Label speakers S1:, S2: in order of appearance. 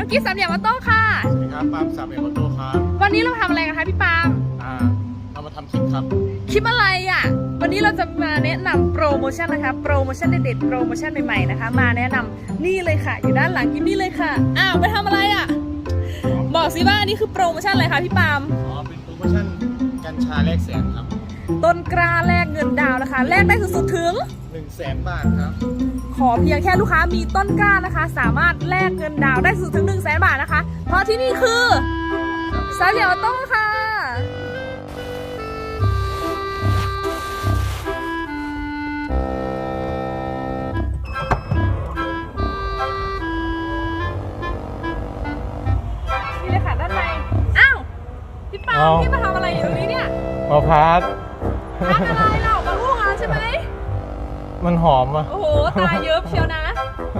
S1: กี้สามเหลี่ยมออโต้ค่ะ
S2: สวัสดีครับปาล์มสามเหลี่ยมออโต้ครับ
S1: วันนี้เราทำอะไรกันคะพี่ปาล์ม
S2: เรามาทำคลิปครับ
S1: คลิปอะไรอ่ะวันนี้เราจะมาแนะนำโปรโมชั่นนะคะโปรโมชั่นเด็ดๆโปรโมชั่นใหม่ๆนะคะมาแนะนำนี่เลยค่ะอยู่ด้านหลังกิมนี่เลยค่ะอ้าวไปทำอะไรอ่ะบอกสิว่านี่คือโปรโมชั่นอะไรคะพี่ปาล์ม
S2: เป็นโปรโมชั่นกัญชาแลกแสนครับ
S1: ต้นกล้าแลกเงินดาวนะคะแลกได้สุดๆถึง
S2: 100,000 บาทครับ
S1: ขอเพียงแค่ลูกค้ามีต้นกล้านะคะสามารถแลกเงินดาวได้สุดถึง100,000 บาทนะคะเพราะที่นี่คือสามเหลี่ยมออโต้ค่ะนี่เลยค่ะด้านในอ้าวพี่ปาล์มพี่มาทำอะไรอยู่ตรงนี้เนี่ย
S2: มาพัด
S1: พักอะไรเรามาอู้งานใช่ไหม
S2: มันหอมอ่ะ
S1: โอ้โหตาเยอะเชียวนะ